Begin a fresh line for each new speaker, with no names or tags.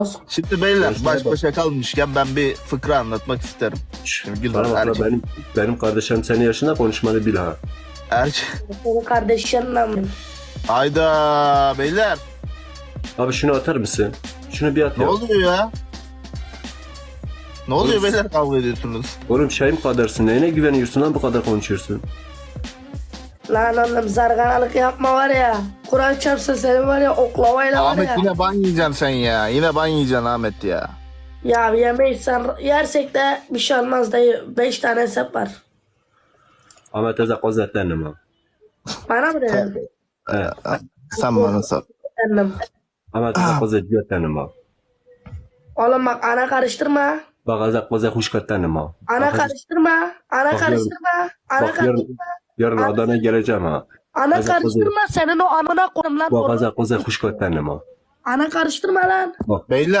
Şimdi beyler
Görüşmeye
baş başa kalmışken ben bir fıkra anlatmak isterim. Şimdi Gülhan
Bana bak
erkek.
benim kardeşim senin yaşında konuşmanı bil ha.
Senin kardeşinle mi?
Hayda beyler.
Abi şunu atar mısın? Şunu bir at
Ne
ya.
oluyor ya? Ne oluyor
Oğlum,
beyler kavga ediyorsunuz?
Oğlum şeyim kadırsın. Neyine güveniyorsun lan bu kadar konuşuyorsun?
Lan oğlum zarganalık yapma var ya. Kur'an çarpsa senin var ya oklavayla var
Ahmet
ya.
yine ban yiyeceksin sen ya. Yine ban yiyeceksin Ahmet ya.
Ya yemeyiz sen yersek de bir şey olmaz dayı. 5 tane hesap var.
Ahmet Ezek Hazretlerine ha.
Bana mı dedin?
He.
Sen bana sor.
Efendim.
Ahmet Ezek Hazretlerine ha.
Oğlum bak ana karıştırma.
Bak Ezek Hazret Huşkatlerine ha.
Ana karıştırma. Ana
Bak
karıştırma. Ana
Bak
karıştırma.
yarın Adana'ya geleceğim ha.
Ana
Ezek
karıştırma senin o amına koyayım lan.
Bak Ezek Hazret Huşkatlerine ha.
Ana karıştırma lan.
Beyler.